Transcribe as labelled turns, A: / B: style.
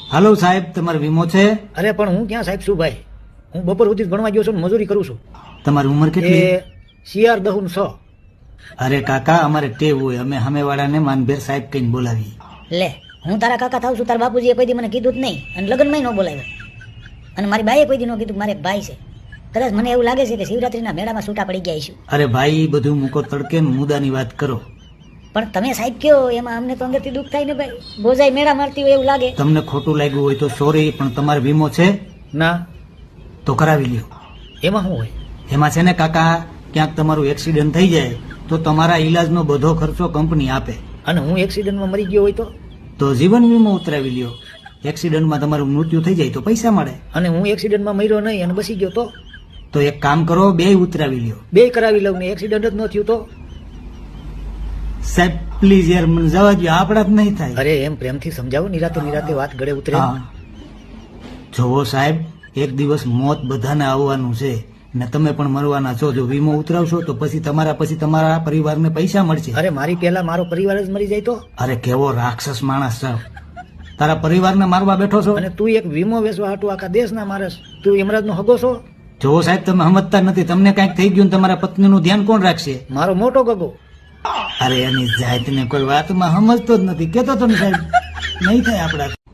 A: હાલો સાહેબ, તમારો વીમો છે?
B: અરે પણ હું ક્યાં સાહેબ છું ભાઈ, હું બપોર સુધી ભણવા ગયો છું ને મજૂરી કરું છું.
A: તમારી ઉંમર કેટલી?
B: એ CR 10
A: અરે કાકા, અમારે ટેવ હોય, અમે સામેવાળાને માનભેર સાહેબ કહીને બોલાવીએ.
C: લે, હું તારા કાકા થાવ છું, તારા બાપુજીએ કોઈ દી મને કીધું જ નહીં અને લગ્નમાં ન બોલાવ્યો, અને મારી બાઈએ કોઈ દી ન કીધું. મારે એક ભાઈ છે, કદાચ મને એવું લાગે છે કે શિવરાત્રીના મેળામાં છૂટા પડી ગયા છું.
A: અરે ભાઈ, બધું મૂકો તડકે ને મુદ્દાની વાત કરો.
C: પણ તમે સાહેબ કયો એમાં અમને તો અંદરથી દુઃખ થાય ને ભાઈ, બોજાઈ મેળા મારતી હોય એવું લાગે.
A: તમને ખોટું લાગ્યું હોય તો સોરી, પણ તમારો વીમો છે?
B: ના.
A: તો કરાવી લ્યો.
B: એમાં શું હોય?
A: એમાં છે ને કાકા, ક્યાંક તમારું એક્સિડન્ટ થઈ જાય તો તમારા ઈલાજનો બધો ખર્ચો કંપની આપે.
B: અને હું એક્સિડન્ટમાં મરી ગયો હોય
A: તો જીવન વીમો ઉતરાવી લ્યો. એક્સિડન્ટમાં તમારું મૃત્યુ થઈ જાય તો પૈસા મળે.
B: અને હું એક્સિડન્ટમાં મર્યો નહીં અને બસી ગયો
A: તો એક કામ કરો, બે ઉતરાવી લ્યો.
B: બે કરાવી લઉં ને એક્સિડન્ટ જ ન થયું તો?
A: સાહેબ પ્લીઝ યાર, મને જવા દો, આપણા જ નહીં થાય.
B: અરે એમ પ્રેમથી સમજાવો, નિરાતે વાત ગળે ઉતરે.
A: હા, જોવો સાહેબ, એક દિવસ મોત બધાને આવવાનું છે ને તમે પણ મરવાના છો. જો વીમો ઉતરાવશો તો પછી તમારા પરિવારને પૈસા મળશે.
B: અરે મારી પહેલા મારો પરિવાર જ મરી જાય તો?
A: અરે કેવો રાક્ષસ માણસ છે, તારા પરિવારને મારવા બેઠો છો.
B: અને તું એક વીમો વેચવા હાટું આખા દેશના મારસ, તું યમરાજનો હગો છો?
A: જોવો સાહેબ, તમે સમજતા નથી. તમને કઈક થઈ ગયું, તમારા પત્નીનું ધ્યાન કોણ રાખશે?
B: મારો મોટો ગગો.
A: અરે એની જાતને કોઈ વાતમાં સમજતો જ નથી. કેતો તો ને સાહેબ, નહીં થાય આપડા.